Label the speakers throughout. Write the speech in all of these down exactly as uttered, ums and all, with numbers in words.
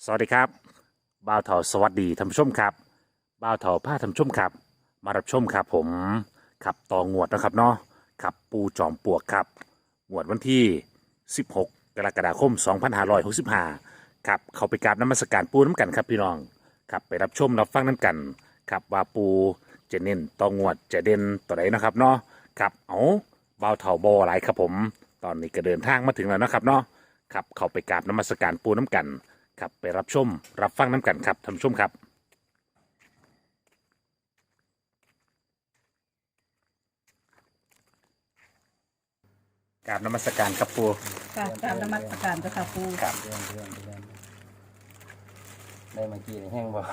Speaker 1: สวัสดีครับบ่าวเถาสวัสดีท่านผู้ชมครับบ่าวเถาผ้าท่านผู้ชมครับมารับชมครับผมขับต่องวดนะครับเนาะขับปูจอมปลวกครับงวดวันที่สิบหกกรกฎาคมสองพันห้าร้อยหกสิบห้าครับเขาไปกราบน้ำมศการปูน้ำกันครับพี่น้องครับไปรับชมรับฟังน้ำกันครับว่าปูจะเน้นต่องวดจะเด่นตัวไหนนะครับเนาะครับเอาบ่าวเถาบอหลายครับผมตอนนี้ก็เดินทางมาถึงแล้วนะครับเนาะครับเขาไปกราบน้ำมศการปูน้ำกัน ครับไปรับชมรับฟังน้ำกันครับท่านผู้ชมครับกราบนมัสการครับปู
Speaker 2: ค่ะกราบนมัสการเจ้าค่ะปู
Speaker 1: ครับ
Speaker 3: เรื่องเรื่องเรื่องได้เมื่อกี้นี่แห้งบอก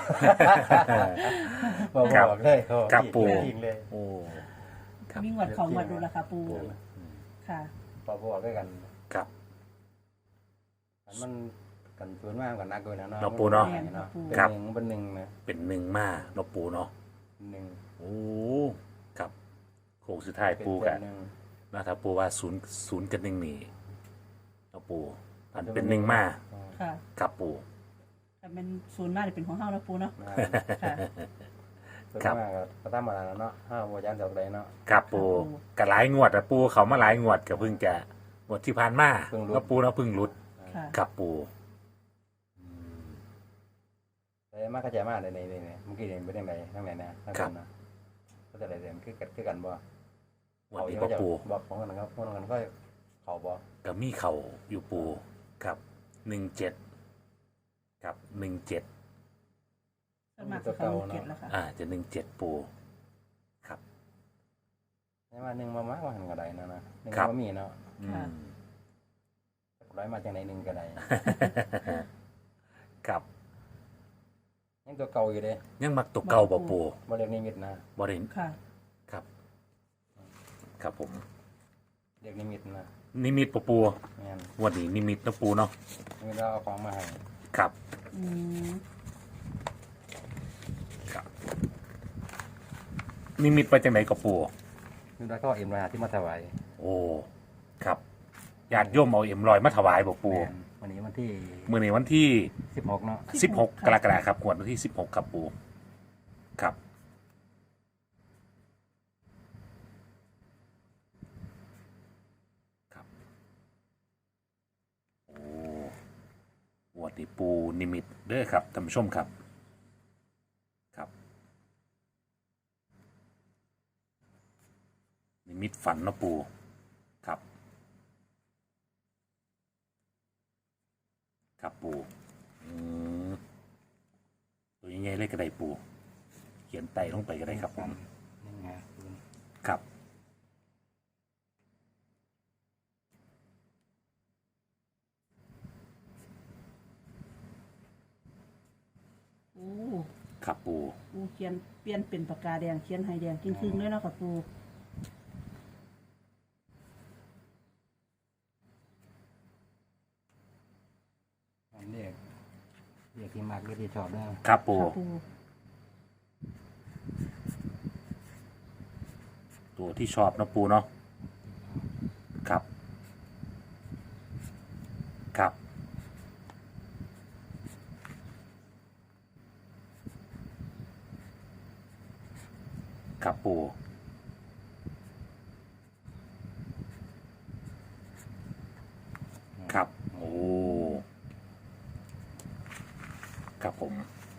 Speaker 3: บอกบอกเลยเขา
Speaker 1: ครับปู
Speaker 3: จริงเลย
Speaker 1: โอ้ครับ
Speaker 2: มีงวดของงวดดูละค่ะปูค่ะ
Speaker 3: พอบอกด้วยกัน
Speaker 1: ครับ
Speaker 3: อันมันกันส่วนมากกันนักเลยนะ
Speaker 1: เนาะปูเนาะ
Speaker 3: เนาะเป็น
Speaker 1: ครับ
Speaker 3: หนึ่งเป็นหนึ่งนะ
Speaker 1: เป็นหนึ่งมาเนาะปูเนาะ
Speaker 3: หนึ่ง
Speaker 1: โอ้ครับโค้งสุดท้าย
Speaker 3: เป็น
Speaker 1: ปู
Speaker 3: เป็
Speaker 1: กัน
Speaker 3: นหนึ่ง
Speaker 1: นะถ้าปูว่าศูนย์ศูนย์กับหนึ่งนี่เนาะปูอันเป็นหนึ่งมา
Speaker 2: ค่ะ
Speaker 1: ครับปู
Speaker 2: แต่เป็นศูนย์หน้าจะเป็นของเฮาแล้วปูเนาะ
Speaker 3: นะ
Speaker 2: ค่ะ
Speaker 3: ส่วนมากก็ตามมาแล้วเนาะห้าวัวยันดอกใดเนาะ
Speaker 1: ครับปูกับหลายงวดอะปูเขามาหลายงวดก็เพิ่งจะงวดที่ผ่านมาเนาะปูเนาะเพิ่งหลุด
Speaker 2: ค่ะ
Speaker 1: ครับปู
Speaker 3: แต่มากกระจายมากเลยในในเมื่อกี้เรียนไปทางไหนทางไหนนะทางนั้นนะก็จะอะไรเรียนคือกันคือกันบ่
Speaker 1: วันนี้ก็ปู
Speaker 3: บอกของกันนะครับพวกนั้นก็เขาบอก
Speaker 1: กับมีเข่าอยู่ปูครับหนึ่งเจ็ดครับหนึ่งเจ็ด
Speaker 2: สวนมัครจะเข้าเก็ตแล้วค่ะ
Speaker 1: อ่าจะหนึ่งเจ็ดปูครับ
Speaker 3: ใช่ไหมหนึ่งมามากกว่าหันกระไดนะนะหนึ่ง
Speaker 1: ครับ
Speaker 3: มามีเนาะ
Speaker 1: อืม
Speaker 3: ร้อยมาจากไหนหนึ่งกระได
Speaker 1: ครับ
Speaker 3: ยังตัวเก่าอยู่เลย
Speaker 1: ยังมักตัวเก่าบ่ปู
Speaker 3: บริเวณนิมิตนะ
Speaker 1: บ่ได้
Speaker 2: ค่ะ
Speaker 1: ครับ ครับผม
Speaker 3: เรียกนิมิตนะ
Speaker 1: นิมิตปูปู
Speaker 3: งั้น
Speaker 1: วันนี้นิมิตนะปูเนาะ
Speaker 3: นิมิตเราเอาของมาให้
Speaker 1: ครับ
Speaker 2: อืม
Speaker 1: ครับ นิมิตไปจังไหนกับปู
Speaker 3: นิมิตเราก็เอาเอ็มราที่มาถวาย
Speaker 1: โอ้ครับญาติโยมเอาเอ็มลอยมาถวายบ่ปู
Speaker 3: แม่นวันนี้วันที่
Speaker 1: มื้อนี้วันที่
Speaker 3: สิบหกเนาะ
Speaker 1: สิบหกกรกฎาคมครับงวดวันที่สิบหกครับปูครับครับโอ้งวดนี้ปูนิมิตเด้อครับท่านผู้ชมครับครับ นิมิตฝันเนาะปูครับ ครับปูอืมตัวยังไงเลยก็ได้ปู เขียนไต่ลงไปก็ได้ครับผม
Speaker 3: นี่ไง
Speaker 1: ครับ
Speaker 2: โอ้
Speaker 1: ครับปู
Speaker 2: ปูเขียนเปลี่ยนเป็นปากกาแดงเขียนให้แดงครึ่งๆด้วยเนาะค่ะปู
Speaker 3: อันเรียกเรียกที่มากเรียกที่ชอบได้
Speaker 1: ครับปู
Speaker 2: ค่ะปู
Speaker 1: ตัวที่ชอบเนาะปูเนาะครับ ครับ ครับปูครับ โอ้ ครับผม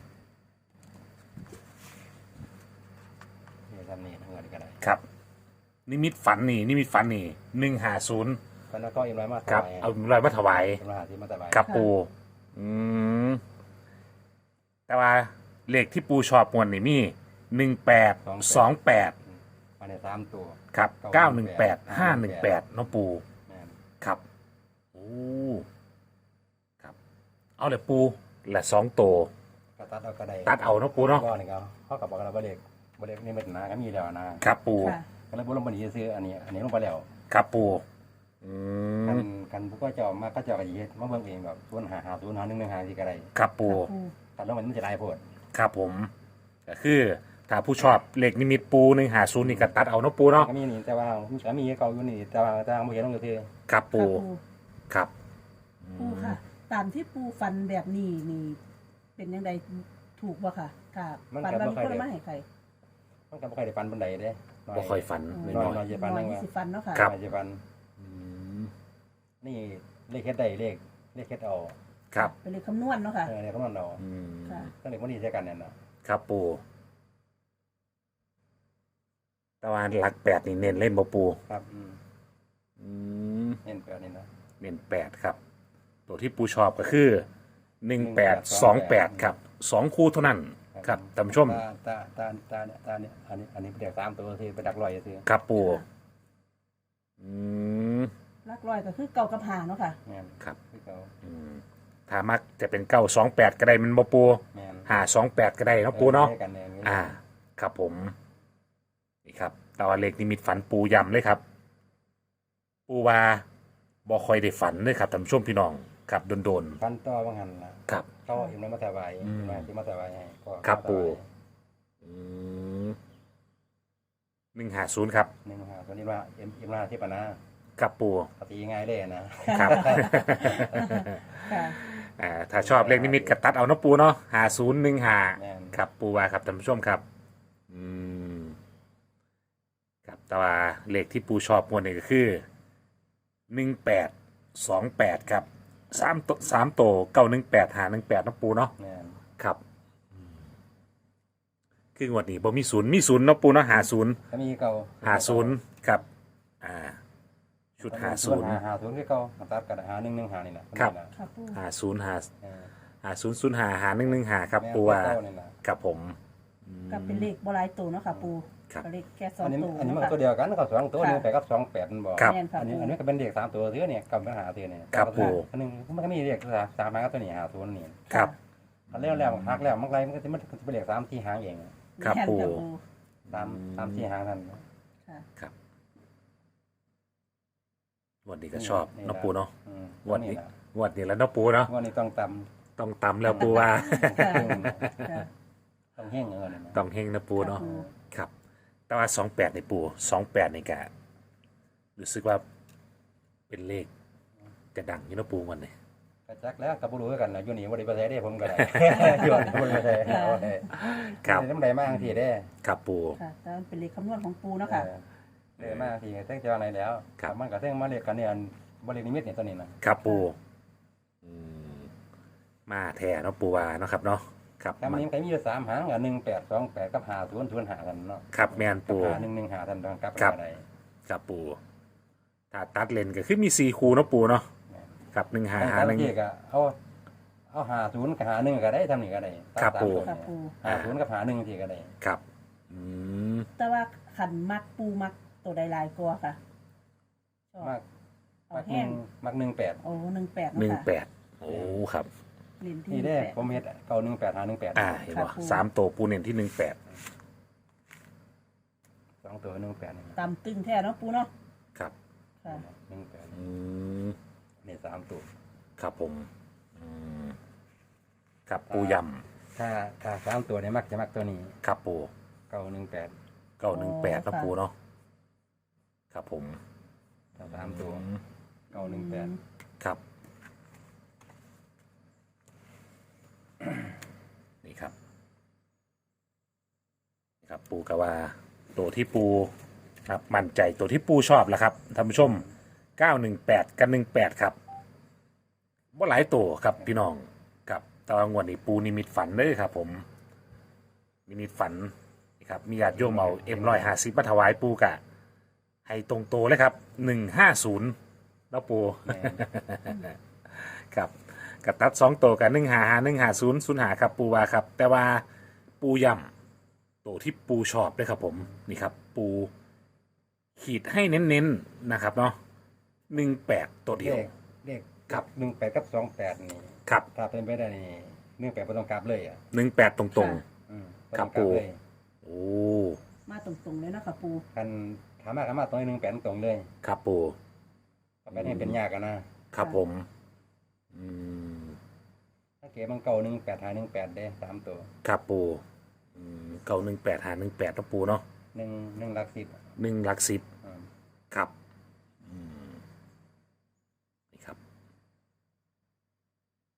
Speaker 3: เรียกทำนี่ทั้งหมดก็ได้
Speaker 1: ครับ นิมิตฝันนี่ นิมิตฝันนี่หนึ่งหาศูนย์
Speaker 3: ตอนนั้นก็เอ็มร้อยมาถ
Speaker 1: ครับ
Speaker 3: วาย
Speaker 1: เอาลอยมาถวาย
Speaker 3: เอ็มร้อยที่มาถวาย
Speaker 1: ครับปู อืม แต่ว่าเลขที่ปูชอบมวนนี่มีหนึ่งแปดสองแปด
Speaker 3: มาในสามตัว
Speaker 1: ครับเก้าหนึ่งแปดห้าหนึ่งแปดน้องปู
Speaker 3: แม่น
Speaker 1: ครับ โอ้ ครับ เอาเลยปูละสองตัว
Speaker 3: ก็ตัดเอาก็ได้
Speaker 1: ตัดเอาเนาะปูเนาะ
Speaker 3: ก็นี่ก็เขากับบอกกันว่าเด็กบ่เด็กนี่มันนะก็มีแล้วนะครับ
Speaker 1: ปู
Speaker 2: ค่ะ
Speaker 3: ก็เลยบ่ลงบันนี้ซื้ออันนี้ อันนี้ลงไปแล้ว
Speaker 1: ครับปู อื
Speaker 3: กัน
Speaker 1: ม
Speaker 3: กันผู้ก็เจ้ามาก็เจ้าก็สิเฮ็ดมาเบิ่งเองแบบศูนย์หาหาศูนย์หาหนึ่งหนึ่งหาสิก็ได้
Speaker 1: ครับปู
Speaker 2: ค่ะปู
Speaker 3: ตัดลงไปมันจะได้โพด
Speaker 1: ครับผม ก็คือ ถ้าผู้ชอบเลขนิมิตปูหนึ่งหาศูนย์นี่ก็ตัดเอาเนาะปูเนาะ
Speaker 3: ก็มีนี่แต่ว่ามันก็มีเก่าอยู่นี่แต่ว่าแต่ว่าบ่เห็นลงคือ
Speaker 1: ครับปู
Speaker 2: ค่ะปู
Speaker 1: ครับ
Speaker 2: ปูค่ะตามที่ปูฟันแบบนี้นี่เป็นยังไงถูกบ่ค่ะค่ะฟันว่ามีคนมาให้ใคร
Speaker 3: มันก็บ่ค่อยได้ฟันปานใดเด้
Speaker 1: บ่ค่อยฝัน
Speaker 3: น้
Speaker 1: น้
Speaker 3: อ
Speaker 1: อย ย
Speaker 3: น้อยจะฟัน
Speaker 2: น้อ
Speaker 3: นึ
Speaker 2: ย
Speaker 3: ง
Speaker 2: ยี่
Speaker 3: ว่า
Speaker 2: สิบฟันเนาะค่ะ
Speaker 1: ครับ
Speaker 3: น้อยจะฟัน
Speaker 1: ๆอืม
Speaker 3: นี่เลขเฮ็ดได้เลขเลขเฮ็ดเอา
Speaker 1: ครับ
Speaker 2: เป็นเลขคำนวณเนาะค่ะ
Speaker 3: เออเนี่ยคำนวณเอา
Speaker 1: อืม
Speaker 2: ค่ะ
Speaker 3: ตั้งแต่วันนี้ใช้กันเนี่ยน่ะ
Speaker 1: ครับปูแตะวันหลักแปดนี่เน้นเล่นบ่ปู
Speaker 3: ครับอืม
Speaker 1: อืม
Speaker 3: เห็นแปดนี่นะ
Speaker 1: เน้นแปดครับ ตัวที่ปูชอบก็คือหนึ่งแปดสองแปดครับสองคู่เท่านั้นครับท่านผู้ชม
Speaker 3: ตาตาตาตาเนี่ยตาเนี่ยอันนี้อันนี้เด็กสามตัวที่ไปดักลอยซื่อ
Speaker 1: ครับปูอืม
Speaker 2: ลักร้อยก็คือเก่ากับหาเนาะค่ะ
Speaker 3: แม่น
Speaker 1: ครับ
Speaker 3: คือเขา
Speaker 1: อืมถ้ามักจะเป็นเก้าสองแปดก็ได้มันบ่ปู
Speaker 3: แม่น
Speaker 1: หาสองแปดก็ได้เนาะปูเนาะ
Speaker 3: ใช้กันเนี่ย
Speaker 1: อ่า ครับผม นี่ครับตอนเลขนิมิตฝันปูย้ำเลยครับ ปูว่าบ่ค่อยได้ฝันเลยครับท่านผู้ชมพี่น้องครับโดน
Speaker 3: ฟันต่อบางหันล่ะ
Speaker 1: ๆครับ
Speaker 3: เขาเอ็มแล้วมาถวาย
Speaker 1: อืม
Speaker 3: มาที่มาถวายให้ก็
Speaker 1: ครับ
Speaker 3: มาถวาย
Speaker 1: ปู่ อืมหนึ่งหาศูนย์ครับ
Speaker 3: หนึ่งหาตัวนี้ว่าเอ็มเอ็มมาที่ปะนะ
Speaker 1: ครับปู
Speaker 3: ปฏิง่ายเลยนะครับ
Speaker 2: ค่ะ
Speaker 1: อ่าถ้าชอบเลขนิมิตก็ตัดเอาเนาะปูเนาะหาศูนย์หนึ่งหา
Speaker 3: แม่น
Speaker 1: ครับปูว่าครับท่านผู้ชมครับ อืมครับแต่ว่าเลขที่ปูชอบมวนนี่ก็คือหนึ่งแปดสองแปดครับสามตัวสามตัวเก้าหนึ่งแปดหาหนึ่งแปดนาะปูเนาะ
Speaker 3: แม่น
Speaker 1: ครับคืองวดนี้บ่มีศูนย์มีศูนย์เนาะปูเนาะหาศูนย์
Speaker 3: ถ้ามีเก่า
Speaker 1: หาศูนย์ครับ อ่า ชุดหาศูนย์
Speaker 3: หาหาศูนย์คือเก่าตัดกันหาหนึ่งหนึ่งหานี่นะครับ
Speaker 2: ค่ะปู
Speaker 1: หาศูนย์หา
Speaker 3: เออ
Speaker 1: หาศูนย์ศูนย์หาหาหนึ่งหนึ่งหาครับ
Speaker 3: แม่น
Speaker 1: ปูว่า
Speaker 3: เก่านี่นะ
Speaker 1: กับผม
Speaker 2: ก็เป็นเลขโบราณตัวเนาะค่ะปู
Speaker 1: ครับ
Speaker 2: ก็เลขแค่สอง
Speaker 3: อันนี้
Speaker 2: ตัว
Speaker 3: อันนี้มัน
Speaker 2: เนาะ
Speaker 3: ก็ตัว
Speaker 2: ค่ะ
Speaker 3: เดียวกันก็สองตัว
Speaker 2: ค่ะ
Speaker 3: หนึ่งแปดกับสองแปดมันบอก
Speaker 1: ครับ
Speaker 2: แม่นค่ะ
Speaker 3: อันนี้
Speaker 2: ปู
Speaker 3: อันนี้ก็เป็นเด็กสามตัวเทือเนี่ยกับปัญหาเทือเนี่ย
Speaker 1: ครับปู่
Speaker 3: อันหนึงมันก็มีเด็กสามหางกับตัวนี้หาศูนย์นี่
Speaker 1: ครับ
Speaker 3: อันแล้วแล้วหักแล้วมันไรมันก็จะมันจะเป็นเด็กสามที่หางเอง
Speaker 1: ครับ
Speaker 2: แม่น
Speaker 1: ปู
Speaker 2: ค่ะ
Speaker 3: สามสามที่หางนั่น
Speaker 2: ค่ะ
Speaker 1: ครับงวดนี้ก็ชอบเนาะปูเนาะ
Speaker 3: อืม
Speaker 1: งวดนี้งวดนี้แล้วเนาะปูเนาะ
Speaker 3: งวันนี้ต้องต
Speaker 1: ต้องตำแล้วปูว่า
Speaker 2: ค่ะ
Speaker 3: ำ
Speaker 2: ค่ะ
Speaker 3: ต้องแห้งเงินนะ
Speaker 1: ต้องเฮงนะปูเนาะ
Speaker 2: ค่ะปู
Speaker 1: ครับ แต่ว่าสองแปดในปูสองแปดในกะรู้สึกว่าเป็นเลขจะดังอยู่เนาะปูวันนี้
Speaker 3: กระจักแล้วกับบุรุษกันนะอยู่นี่วันนี้ประเทศได้ผมก็ได้ อยู่นี่วันนี้ประเทศเอาได้
Speaker 1: ครับ
Speaker 3: น้ำใดมากทีได้
Speaker 1: ครับปู
Speaker 2: ค่ะแต่มันเป็นเลขคำนวณของปูเนาะค่ะ
Speaker 3: เออมากทีเท่งเจ้าอะไรแล้ว
Speaker 1: ครับ
Speaker 3: มันก็เท่งมาเรียกกันเนี่ยบรินิมิตเนี่ยตัวนี้นะครับ
Speaker 1: ปูอืมมาแท่เนาะปูว่าเนาะครับเนาะครับ
Speaker 3: ถ้ามันนี้มันก็มีอยู่สามหางอ่ะหนึ่งแปดสองแปดกับหาศูนย์ศูนย์หากันเนาะ
Speaker 1: ครับแมน
Speaker 3: กับ
Speaker 1: ปู
Speaker 3: หาหนึ่งหนึ่งหาทันตอนกลับ
Speaker 1: ครับ
Speaker 3: อะไร
Speaker 1: ครับปูถ้าตัดเลนก็คือมีสี่คูเนาะปูเนาะครับหนึ่งหาหาหนึ่ง
Speaker 3: ที่ก็เอาเอาหาศูนย์กับหาหนึ่งก็ได้ทำนี่ก็ได้ตาม
Speaker 1: ครับ
Speaker 3: ตาม
Speaker 1: ปู่
Speaker 3: ตัว
Speaker 2: ค่ะ
Speaker 3: เนี่ย
Speaker 2: ปู
Speaker 3: หาศูนย์กับหาหนึ่งทีก็ได้
Speaker 1: ครับอืม
Speaker 2: แต่ว่าขันมักปูมักตัวใดหลายกว่าค่ะชอบ
Speaker 3: มาก
Speaker 2: เอา
Speaker 3: มากห
Speaker 2: แห้
Speaker 3: นึ่
Speaker 2: ง
Speaker 3: งมากหนึ่งแปด
Speaker 2: โอ้หนึ่งแปด
Speaker 1: หนึ่ง
Speaker 2: เนาะ
Speaker 1: แป
Speaker 2: ค่ะ
Speaker 1: ดโอ้ครับ
Speaker 2: เรียนที่
Speaker 3: นี่ได้
Speaker 2: แปด
Speaker 3: ผมเฮ็ดเก่าหนึ่งแปดหาหนึ่งแปด
Speaker 1: อ่าเห็นป่ะ
Speaker 2: ครับปู
Speaker 1: สามตัวปูเน้นที่หนึ่งแปด
Speaker 3: สองตัวหนึ่งแปดนี่
Speaker 2: ตามตึงแท้เนาะปูเนาะ
Speaker 1: ครับ
Speaker 2: ค่ะ
Speaker 3: หนึ่งแปด
Speaker 1: อืม
Speaker 3: นี่สามตัว
Speaker 1: ครับผมอืมครับปูย
Speaker 3: ถ้าถ้าสามตัวเนี่ยมักจะมักตัวนี้
Speaker 1: ำครับปู
Speaker 3: เก่าหนึ่งแปด
Speaker 1: เก้าหนึ่งแปดนะปูเนาะครับผม
Speaker 3: ถ้าสามตัว
Speaker 1: อืม
Speaker 3: เก่าหนึ่งแปด
Speaker 1: ครับ นี่ครับนี่ครับ ปูกะว่าตัวที่ปูครับมั่นใจตัวที่ปูชอบแหละครับท่านผู้ชมเก้าหนึ่งแปดกับหนึ่งแปดครับว่าหลายตัวครับพี่น้องกับตอนงวดนี้ปูนิมิตฝันเลยครับ ผมนิมิตฝันนี่ครับมีญาติโยมเอาเอ็มร้อยห้าสิบมาถวายปูกะ ให้ตรงตัวเลยครับหนึ่งห้าศูนย์แล้วปู ครับกับตัดสองตัวกับหนึ่งหาหาหนึ่งหาศูนย์ศูนย์หาครับปูว่าครับ แต่ว่าปูย่ำตัวที่ปูชอบด้วยครับผมนี่ครับ ปูขีดให้เน้นๆนะครับเนาะหนึ่งแปดตัวเดียว
Speaker 3: เลขเลข
Speaker 1: ครับ
Speaker 3: หนึ่งแปดกับสองแปดนี่
Speaker 1: ครับ
Speaker 3: ถ้าเป็นไปได้นี่หนึ่งแปดไม่ต้องกลับเลยอ่ะ
Speaker 1: หนึ่งแปดตรง
Speaker 3: อืม
Speaker 1: ครับ
Speaker 3: ต้องกลั
Speaker 1: ปู่
Speaker 3: เลย
Speaker 1: ๆ โอ้
Speaker 2: มาตรงๆเลยเนาะค่ะปู
Speaker 3: คันถามมาถามมาตรงนี้หนึ่งแปดตรงเลย
Speaker 1: ครับปู
Speaker 3: ไปนี่เป็นยากกันนะครับ
Speaker 1: ผม อืม
Speaker 3: ถ้าเก๋มันเก่าหนึ่งแปดหาหนึ่งแปดได้สามตัว
Speaker 1: ครับปูอืมเก้าหนึ่งแปดหาหนึ่งแปดนะปูเนาะ
Speaker 3: หนึ่งหนึ่งหลักสิบ
Speaker 1: หนึ่งหลักสิบ
Speaker 3: อืม
Speaker 1: ครับอืมนี่ครับ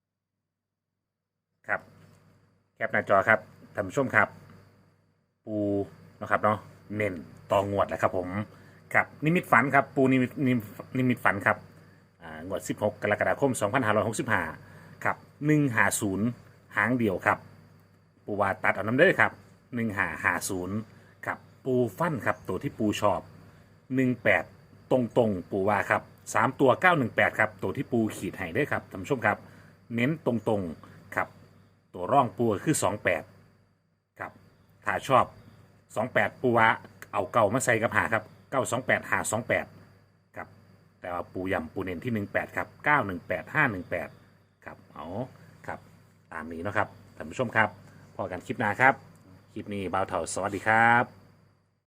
Speaker 1: ครับแคปหน้าจอครับท่านผู้ชมครับ ปูนะครับเนาะเน้นต่องวดแหละครับผมครับนิมิตฝันครับปูนิมิตนิมิตนิมิตฝันครับอ่างวดสิบหกกรกฎาคมสองพันห้าร้อยหกสิบห้าครับหนึ่งห้าศูนย์หางเดียวครับปูว่าตัดเอาน้ำเด้อครับหนึ่งห้าห้าศูนย์ครับปูฟันครับตัวที่ปูชอบหนึ่งแปดตรงตรงๆปูว่าครับสามตัวเก้าหนึ่งแปดครับตัวที่ปูขีดให้เด้อครับท่านผู้ชมครับเน้นตรงตรงๆครับตัวร่องปูก็คือสองแปดครับถ้าชอบ สองแปดปูวะเอาเก่ามาใส่กับหาครับเก้าสองแปดหาสองแปดครับแต่ว่าปูยำปูเน้นที่หนึ่งแปดครับเก้าหนึ่งแปดห้าหนึ่งแปดครับเอาครับตามนี้เนาะครับท่านผู้ชมครับพอกันคลิปหน้าครับ คลิปนี้บ่าวเถาสวัสดีครับ